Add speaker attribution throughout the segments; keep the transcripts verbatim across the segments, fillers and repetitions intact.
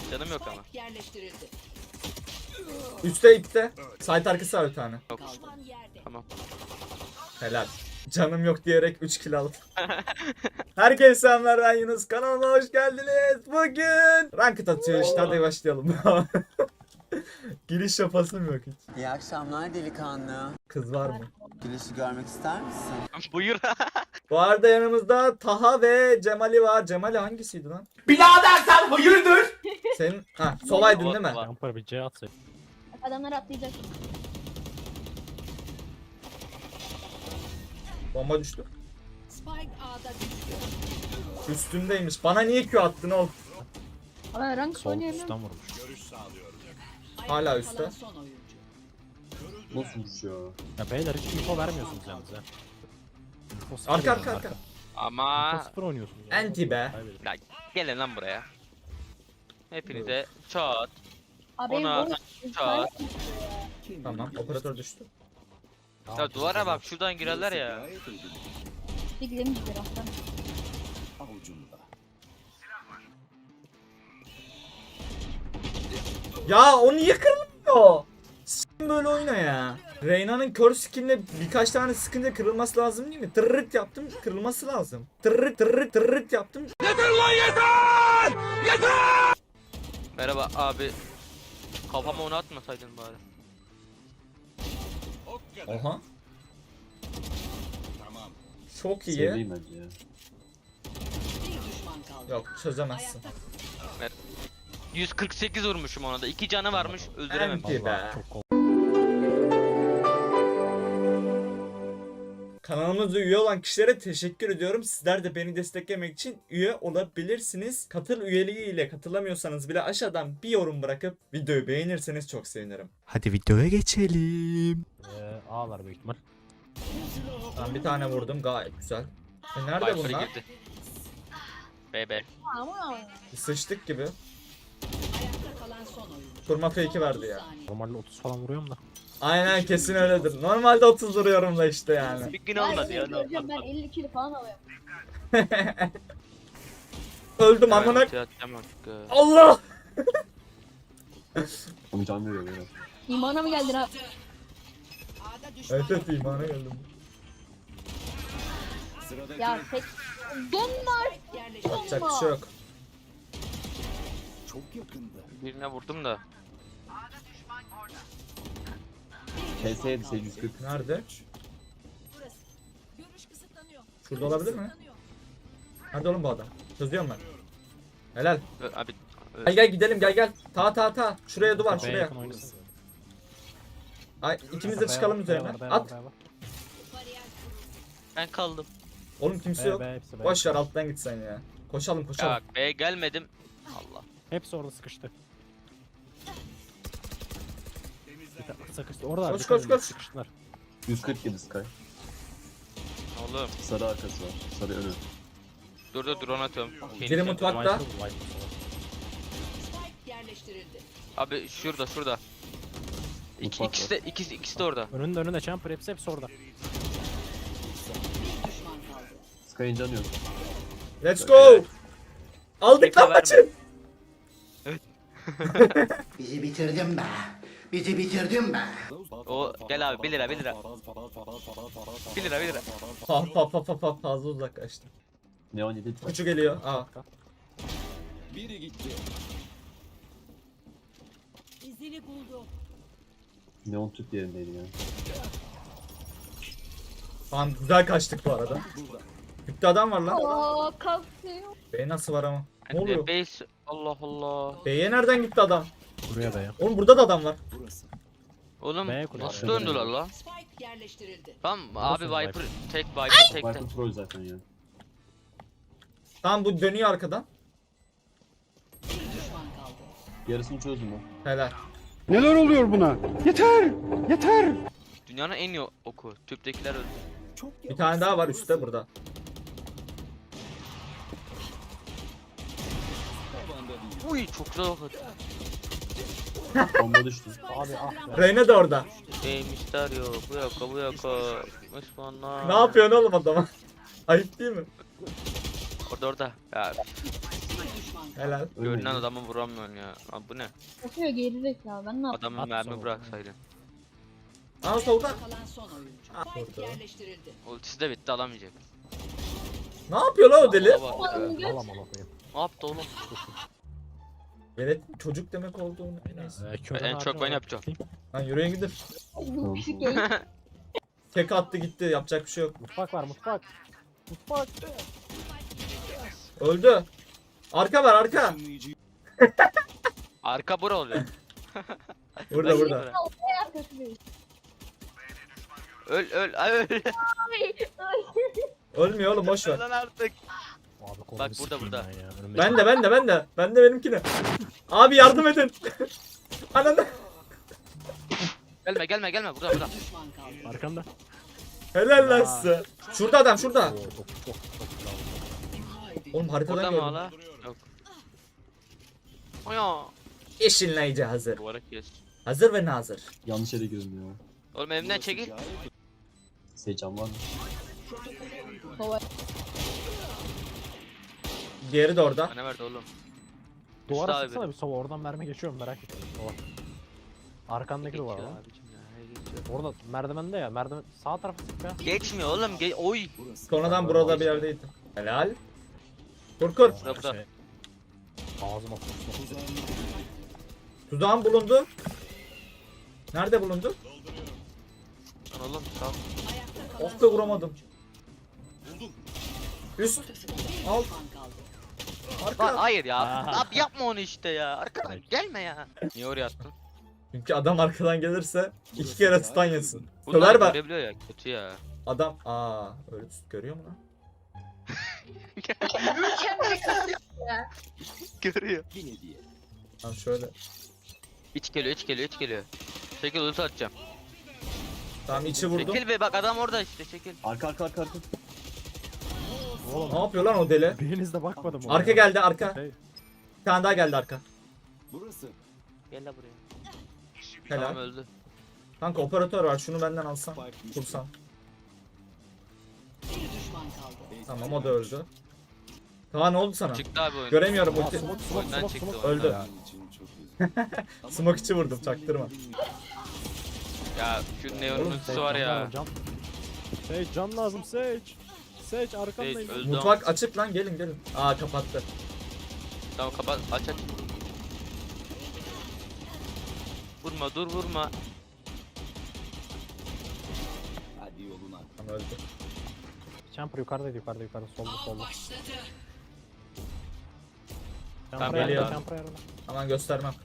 Speaker 1: Canım yok ama.
Speaker 2: Yerleştirildi.
Speaker 3: Üste ipte. Site arkası var bir tane.
Speaker 1: Yok.
Speaker 2: Düşman yerde.
Speaker 1: Tamam.
Speaker 3: Helal. Canım yok diyerek üç kill aldım. Herkese selamlar, ben Yunus. Kanalıma hoş geldiniz. Bugün ranked atıyor işte, hadi başlayalım. Giriş yapasım yok hiç.
Speaker 4: İyi akşamlar delikanlı.
Speaker 3: Kız var mı?
Speaker 4: Güneşi görmek ister misin?
Speaker 1: Buyur.
Speaker 3: Bu arada yanımızda Taha ve Cemali var. Cemali hangisiydi lan?
Speaker 5: Birader sen hayırdır?
Speaker 3: Senin ha solaydın değil mi?
Speaker 6: Jumper bir C atsın.
Speaker 7: Adamlar atlayacak.
Speaker 3: Bomba düştü.
Speaker 2: Spike A'da düştü.
Speaker 3: Üstümdeymiş. Bana niye Q attın oğlum?
Speaker 7: Ama rank
Speaker 6: Sol
Speaker 7: oynayamıyorum.
Speaker 6: üstten vurmuş.
Speaker 3: Hala
Speaker 2: Ayakta
Speaker 3: üstte.
Speaker 2: kalan son oyuncu.
Speaker 4: Nasıl uçuyor?
Speaker 6: Ya beyler hiç info vermiyorsunuz yalnız ya. Info sıfır
Speaker 3: Arka
Speaker 6: yani,
Speaker 3: arka arka.
Speaker 1: Ama
Speaker 6: Info sıfır oynuyorsunuz. ya.
Speaker 3: Anti be.
Speaker 6: Kaybedin.
Speaker 1: ya, gelin lan buraya. Hepinize çat.
Speaker 7: Abi
Speaker 1: Ona-
Speaker 7: Ona...
Speaker 1: Çat.
Speaker 3: Tamam, operatör düştü.
Speaker 1: Ya duvara bak, şuradan girerler ya.
Speaker 7: Bir gidelim bir taraftan.
Speaker 3: Ya o niye kırılmıyor? S**in böyle oyna ya. Reyna'nın kör skinle birkaç tane sıkınca kırılması lazım değil mi? Tırrıt yaptım, kırılması lazım. Tırrıt tırrıt tırrıt yaptım.
Speaker 1: Merhaba abi. Kafama onu atmasaydın bari.
Speaker 3: Oha. Çok iyi.
Speaker 4: Seveyim bence ya.
Speaker 2: Bir düşman kaldı.
Speaker 3: Yok, çözemezsin.
Speaker 1: yüz kırk sekiz vurmuşum ona da. iki canı varmış, öldüremem.
Speaker 3: Anti be.
Speaker 6: Vallahi çok kol.
Speaker 3: Kanalımıza üye olan kişilere teşekkür ediyorum. Sizler de beni desteklemek için üye olabilirsiniz. Katıl üyeliği ile katılamıyorsanız bile aşağıdan bir yorum bırakıp videoyu beğenirseniz çok sevinirim. Hadi videoya geçelim.
Speaker 6: Ee, A var büyük ihtimal.
Speaker 3: Ben bir tane vurdum, gayet güzel. E nerede
Speaker 1: Viper'ı
Speaker 3: bunlar?
Speaker 1: girdi. B B.
Speaker 7: Ama
Speaker 3: Sıçtık gibi.
Speaker 2: Ayakta kalan son oyuncu.
Speaker 3: Kurma fake'i
Speaker 2: Son
Speaker 3: verdi
Speaker 2: otuz
Speaker 3: ya.
Speaker 2: saniye.
Speaker 6: Normalde otuz falan vuruyorum da.
Speaker 3: Aynen, kesin öyledir. Normalde otuz duruyorum da işte yani.
Speaker 1: Bir gün
Speaker 7: ben
Speaker 1: olmadı ya.
Speaker 7: göreceğim, ben elli kilo falan alıyorum.
Speaker 3: Öldüm amına.
Speaker 1: Evet, atacağım artık.
Speaker 3: Allah!
Speaker 4: Onu can veriyor böyle.
Speaker 7: İmana mı geldin abi?
Speaker 2: A'da düşman
Speaker 3: Evet evet, imana geldim.
Speaker 7: Ya tek... Donlar!
Speaker 2: yerleştirildi.
Speaker 3: Yapacak bir şey yok.
Speaker 1: Birine vurdum da.
Speaker 4: P S yedi sekiz yüz kırk.
Speaker 3: Nerede?
Speaker 2: Görüş kısıtlanıyor.
Speaker 3: Şurada olabilir mi? Nerede oğlum bu adam? Çözüyorum ben. Helal.
Speaker 1: Ö- Abi. ö-
Speaker 3: Gel gel gidelim, gel gel. Ta ta ta. Şuraya duvar,
Speaker 6: B'ye
Speaker 3: şuraya.
Speaker 6: yakın oynasın.
Speaker 3: Ay, ikimiz de çıkalım üzerine. At.
Speaker 1: Ben kaldım.
Speaker 3: Oğlum kimse yok.
Speaker 6: B, hepsi B.
Speaker 3: Boş ver, alttan git sen ya. Koşalım koşalım.
Speaker 1: Ya B'ye gelmedim. Allah.
Speaker 6: Hepsi orada sıkıştı. Bir tane sıkıştı. Orada
Speaker 3: Koş,
Speaker 6: dikkat
Speaker 3: koş,
Speaker 6: edin,
Speaker 3: koş.
Speaker 6: sıkıştılar.
Speaker 4: yüz kırk yedi Sky.
Speaker 1: Oğlum.
Speaker 4: Sarı arkası var. Sarı önü.
Speaker 1: Dur dur drone atıyorum. Şeyin
Speaker 3: Biri
Speaker 1: içine-
Speaker 3: mutfakta.
Speaker 6: Viper, Viper.
Speaker 2: Spike yerleştirildi.
Speaker 1: Abi şurada şurada. İki,
Speaker 4: Mutfak
Speaker 1: ikisi de ikisi, ikisi de orada.
Speaker 6: Önünde önünde Jumper hepsi hepsi orada.
Speaker 2: Bir düşman kaldı.
Speaker 4: Sky'ın canı yok.
Speaker 3: Let's go. Aldık
Speaker 1: Bekle,
Speaker 3: lan
Speaker 1: verme.
Speaker 3: maçı.
Speaker 5: Bizi bitirdin be. Bizi bitirdin be.
Speaker 1: O gel abi bir lira bir lira. bir lira bir lira.
Speaker 3: Pa pa pa pa pa fazla uzaklaştım.
Speaker 4: Neon yedi.
Speaker 3: Küçük geliyor. Aa.
Speaker 2: İzini buldu.
Speaker 4: Neon tüp yerindeydi ya.
Speaker 3: Tamam, güzel kaçtık bu arada. Bitti adam var lan.
Speaker 7: Aa kalkıyor.
Speaker 3: Bey nasıl var ama? Ne
Speaker 1: Anne,
Speaker 3: oluyor?
Speaker 1: base. Allah Allah.
Speaker 3: Bey'e nereden gitti adam?
Speaker 6: Buraya da ya.
Speaker 3: Oğlum burada da adam var.
Speaker 1: Oğlum B'ye
Speaker 6: kuruyor.
Speaker 1: nasıl döndüler la?
Speaker 2: Spike yerleştirildi.
Speaker 1: Tamam abi
Speaker 6: Nasıl
Speaker 1: Viper tek Viper tekte.
Speaker 4: Viper troll zaten ya.
Speaker 3: Tamam, bu dönüyor arkadan.
Speaker 2: Bir düşman kaldı.
Speaker 4: Yarısını çözdüm o.
Speaker 3: Helal.
Speaker 5: Neler oluyor buna? Yeter! Yeter!
Speaker 1: Dünyanın en iyi oku. Tüptekiler öldü.
Speaker 3: Bir tane daha var üstte burada.
Speaker 1: Uy çok güzel ok attı.
Speaker 4: Bomba düştü.
Speaker 6: Abi ah be.
Speaker 3: Reyna da orada.
Speaker 1: Ey Mysterio bu yaka bu yaka. Osmanlar.
Speaker 3: Ne yapıyorsun oğlum adama? Ayıp değil mi?
Speaker 1: Orada orada. Ya
Speaker 2: Bir düşman
Speaker 3: Helal.
Speaker 1: Görünen
Speaker 4: Ölmedi.
Speaker 1: adamı vuramıyorsun ya. Abi bu ne?
Speaker 7: Bakıyor gelecek ya. Ben ne yapayım?
Speaker 1: Adamın
Speaker 6: At
Speaker 1: mermi
Speaker 6: sonra.
Speaker 1: bıraksaydın.
Speaker 3: Aa solda.
Speaker 2: Kalan son oyuncu.
Speaker 3: Ah,
Speaker 2: Spike
Speaker 3: vurdu.
Speaker 2: yerleştirildi.
Speaker 1: Ultisi de bitti alamayacak.
Speaker 3: Ne yapıyor lan o deli?
Speaker 1: Baba bak ya.
Speaker 7: Oğlum göt.
Speaker 6: Alam alam koyayım.
Speaker 1: Ne yaptı oğlum?
Speaker 3: Velet çocuk demek olduğunu neyse.
Speaker 6: Ee, körün
Speaker 1: En çok
Speaker 6: harcını
Speaker 1: ben
Speaker 6: olarak
Speaker 1: yapacağım.
Speaker 6: tutayım.
Speaker 3: Lan yürüyün gidin.
Speaker 7: Bu küçük yayın.
Speaker 3: Tek attı gitti yapacak bir şey yok.
Speaker 6: Mutfak var mutfak. Mutfak.
Speaker 3: Öldü. Arka var arka.
Speaker 1: Arka bura oluyor.
Speaker 3: Burada
Speaker 1: Ben
Speaker 3: burada.
Speaker 1: bura.
Speaker 7: Arkası değil.
Speaker 1: Öl öl ay, öl.
Speaker 3: Ölmüyor oğlum boş ver.
Speaker 1: Lan artık.
Speaker 6: Abi kolunu
Speaker 1: Bak burada,
Speaker 6: sikeyim
Speaker 1: burada.
Speaker 6: ben ya. Önümdeki-
Speaker 3: Ben de ben de ben de. Ben de benimkine. Abi yardım edin. Ananı.
Speaker 1: Gelme gelme gelme burada burada.
Speaker 2: Düşman kaldı.
Speaker 6: Arkanda.
Speaker 3: Helal lan size. Şurada adam şurada.
Speaker 6: Oo, çok çok çok güzel.
Speaker 3: Oğlum haritadan
Speaker 1: Burada mı
Speaker 3: gördüm.
Speaker 1: hala? Yok. Oya.
Speaker 3: Eşinleyici hazır.
Speaker 1: Duvara kes.
Speaker 3: Hazır ve nazır.
Speaker 4: Yanlış yere girdim ya.
Speaker 1: Oğlum elimden çekil.
Speaker 4: Seycan var mı?
Speaker 7: Kova.
Speaker 3: Diğeri de orada.
Speaker 1: Bana verdi oğlum.
Speaker 6: Duvara
Speaker 1: Üstü abi
Speaker 6: sıksana
Speaker 1: benim.
Speaker 6: bir sova oradan mermi geçiyor mu merak ettim. Sova. Arkandaki duvar
Speaker 1: Geçiyor
Speaker 6: lan.
Speaker 1: abicim ya, he geçiyor.
Speaker 6: Orada merdivende ya. Merdiven sağ tarafı sık ya.
Speaker 1: Geçmiyor oğlum. Ge oy.
Speaker 3: Sonradan burada bir yerdeydi. Helal. Kur kur.
Speaker 1: Burada, burada.
Speaker 6: Şey, Ağzıma kusma.
Speaker 3: Tuzağın bulundu. Nerede bulundu?
Speaker 1: Lan oğlum sağ ol.
Speaker 2: Ayakta kalan
Speaker 3: Of be
Speaker 2: son
Speaker 3: vuramadım. Üst. Alt.
Speaker 2: düşman kaldı.
Speaker 1: Lan
Speaker 3: Arka.
Speaker 1: hayır ya.
Speaker 6: Aa.
Speaker 1: Abi yapma onu işte ya. Arkadan gelme ya. Niye oraya attın?
Speaker 3: Çünkü adam arkadan gelirse iki kere stun yesin.
Speaker 1: Bunlar
Speaker 3: Söver bak.
Speaker 1: görebiliyor ya. Kötü ya.
Speaker 3: Adam aa öyle tut görüyor mu lan?
Speaker 1: Görüyor.
Speaker 3: Lan şöyle.
Speaker 1: İç geliyor iç geliyor iç geliyor. Çekil ulti atacağım.
Speaker 3: Tamam içi vurdum.
Speaker 1: Çekil be bak adam orada işte çekil.
Speaker 4: Arka arka arka arka.
Speaker 6: Oğlum
Speaker 3: Ne yapıyor lan o deli?
Speaker 6: biriniz de bakmadı mı?
Speaker 3: Arka geldi arka.
Speaker 6: Şey,
Speaker 3: Bir tane daha geldi arka.
Speaker 1: Gel la buraya.
Speaker 3: Helal.
Speaker 1: Tamam öldü.
Speaker 3: Kanka operatör var şunu benden alsan. Kursan.
Speaker 2: Bir düşman kaldı.
Speaker 3: Tamam o da öldü. Kaan ne oldu sana?
Speaker 1: Çıktı abi oyun.
Speaker 3: Göremiyorum
Speaker 6: Aa,
Speaker 3: ulti.
Speaker 6: smoke smoke
Speaker 1: Oyundan
Speaker 6: smoke
Speaker 1: çıktı
Speaker 6: smoke.
Speaker 3: Öldü.
Speaker 6: Ya,
Speaker 3: Smoke içi vurdum çaktırma.
Speaker 1: Ya şu neonun
Speaker 6: Oğlum
Speaker 1: ultisi
Speaker 6: Sage
Speaker 1: var
Speaker 6: can
Speaker 1: ya.
Speaker 6: lazım, Can. Sage can lazım Sage. Sage
Speaker 1: Sage
Speaker 6: arkandayım.
Speaker 1: öldü.
Speaker 3: Mutfak açık lan gelin gelin. Aa kapattı.
Speaker 1: Tamam kapat aç aç. Vurma dur vurma.
Speaker 3: Tamam öldü.
Speaker 6: Champer yukarıdaydı yukarıda yukarıda solda solda.
Speaker 1: Tamam,
Speaker 6: Champer
Speaker 3: geliyor.
Speaker 6: yarıda Champer yarıda.
Speaker 3: Aman göstermem.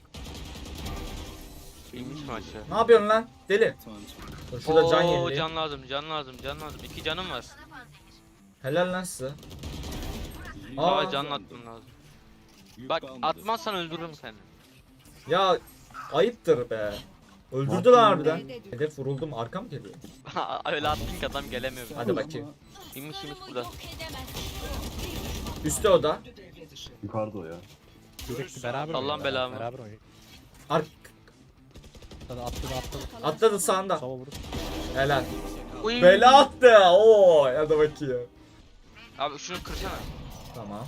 Speaker 1: İnmiş mi aşağı?
Speaker 3: Ne yapıyorsun lan? Deli. Dur şurada can
Speaker 1: Oo,
Speaker 3: yenileyim.
Speaker 1: can lazım can lazım can lazım. İki canım var.
Speaker 3: Helal lan size.
Speaker 1: Aa
Speaker 3: Aa
Speaker 1: can atmam lazım. Bak atmazsan öldürürüm seni.
Speaker 3: ya ayıptır be. Öldürdü lan harbiden. Hedef vuruldum arka mı geliyor?
Speaker 1: Öyle attın ki adam gelemiyor.
Speaker 3: Hadi bakayım.
Speaker 1: İnmiş inmiş burada.
Speaker 3: Üstte o da.
Speaker 4: Yukarıda o ya.
Speaker 6: Sürekli beraber
Speaker 1: Allah'ın
Speaker 6: oynuyorlar,
Speaker 1: belamı.
Speaker 6: Beraber oynuyor.
Speaker 3: Ar
Speaker 6: Atladı atladı atladı.
Speaker 3: atladı sağında.
Speaker 6: Sova vurur.
Speaker 3: Helal.
Speaker 1: Uy.
Speaker 3: Bela attı. Oo hadi bakayım.
Speaker 1: Abi şunu kırsana.
Speaker 3: Tamam.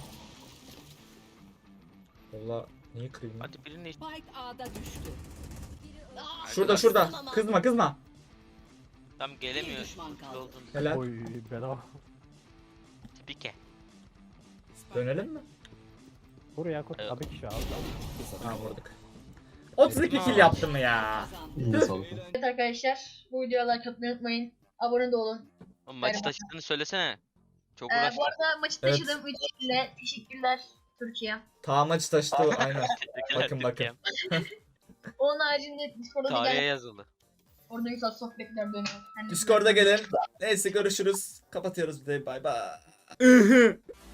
Speaker 3: Valla niye kırayım? lan?
Speaker 1: Hadi birini
Speaker 2: Spike A'da düştü.
Speaker 3: Şurada şurada. Kızma kızma.
Speaker 1: tam
Speaker 2: Bir
Speaker 1: gelemiyor.
Speaker 2: düşman kaldı.
Speaker 1: Oldun.
Speaker 3: Helal.
Speaker 6: Oy bedava.
Speaker 1: Tipike.
Speaker 3: Dönelim mi?
Speaker 6: Buraya koy.
Speaker 1: Evet.
Speaker 6: Tabii ki şu abi.
Speaker 3: Ha vurduk. otuz iki kill yaptım ya.
Speaker 2: Kazandı.
Speaker 4: İyi sağlık.
Speaker 7: Evet arkadaşlar. Bu videoya like atmayı unutmayın. Abone de olun.
Speaker 1: Oğlum maçı
Speaker 7: Merhaba.
Speaker 1: taşıdığını söylesene. Çok
Speaker 7: Ee,
Speaker 1: uğraştım.
Speaker 7: bu arada maçı
Speaker 3: Evet.
Speaker 7: taşıdığım üç kişiyle teşekkürler Türkiye.
Speaker 3: Ta maçı taşıdı aynen.
Speaker 1: Teşekkürler
Speaker 3: bakın, bakın.
Speaker 1: Türkiye'm.
Speaker 7: Onun haricinde Discord'a da
Speaker 1: Tarihe
Speaker 7: gelip
Speaker 1: yazıldı.
Speaker 7: orada güzel sohbetler dönüyor. Kendinize
Speaker 3: Discord'a gelin. Neyse görüşürüz. Kapatıyoruz videoyu. Bay bay.